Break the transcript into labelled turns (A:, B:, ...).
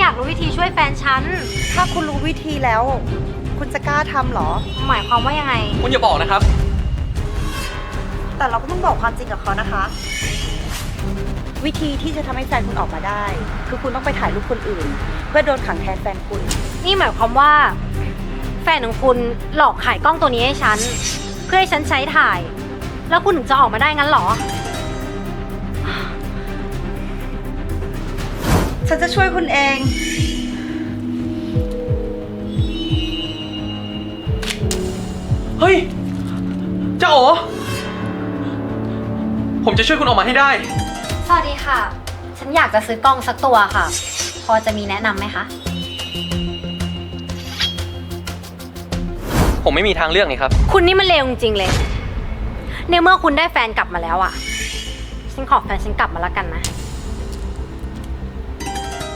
A: อยากรู้วิธีช่วยแฟนฉัน
B: ถ้าคุณรู้วิธีแล้ว คุณจะกล้าทำเหรอ
A: หมายความว่ายังไง
C: คุณอย่าบอกนะครับ
B: แต่เราก็ต้องบอกความจริงกับเขานะคะ วิธีที่จะทำให้แฟนคุณออกมาได้ คือคุณต้องไปถ่ายรูปคนอื่น เพื่อโดนขังแทนแฟนคุณ
A: นี่หมายความว่า แฟนของคุณหลอกขายกล้องตัวนี้ให้ฉัน เพื่อให้ฉันใช้ถ่าย แล้วคุณถึงจะออกมาได้งั้นเหรอ
B: ฉันจะช่วยคุณเอง
C: เฮ้ยเจ้าโอผมจะช่วยคุณออกมาให้ได้
A: สวัสดีค่ะ ฉันอยากจะซื้อกล้องสักตัวค่ะ พอจะมีแนะนำไหมคะ
C: ผมไม่มีทางเลือกนี่ครับ
A: คุณนี่มันเลวจริงๆเลย ในเมื่อคุณได้แฟนกลับมาแล้วอ่ะ ฉันขอแฟนฉันกลับมาแล้วกันนะ